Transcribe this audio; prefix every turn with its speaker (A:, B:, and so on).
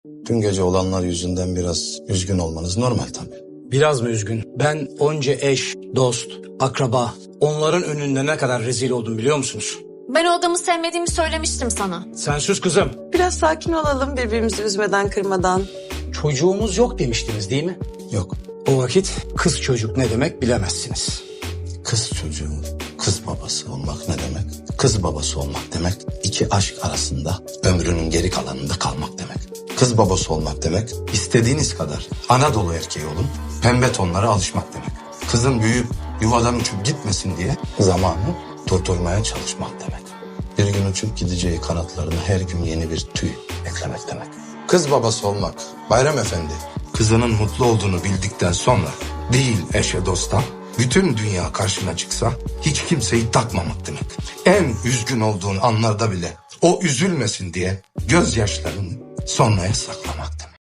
A: Dün gece olanlar yüzünden biraz üzgün olmanız normal tabii.
B: Biraz mı üzgün? Ben onca eş, dost, akraba, onların önünde ne kadar rezil oldum biliyor musunuz?
C: Ben o adamı sevmediğimi söylemiştim sana.
B: Sen sus kızım.
D: Biraz sakin olalım birbirimizi üzmeden kırmadan.
B: Çocuğumuz yok demiştiniz değil mi?
A: Yok,
B: O vakit kız çocuk ne demek bilemezsiniz.
A: kız çocuğu, kız babası olmak ne demek? Kız babası olmak demek iki aşk arasında ömrünün geri kalanında kalmak demek. Kız babası olmak demek istediğiniz kadar Anadolu erkeği olun, pembe tonlara alışmak demek. Kızın büyüyüp yuvadan uçup gitmesin diye zamanı durdurmaya çalışmak demek. Bir gün uçup gideceği kanatlarına her gün yeni bir tüy eklemek demek. Kız babası olmak, Bayram Efendi, kızının mutlu olduğunu bildikten sonra değil eşe dosta, bütün dünya karşına çıksa hiç kimseyi takmamak demek. En üzgün olduğun anlarda bile o üzülmesin diye gözyaşlarını sonraya saklamak demek.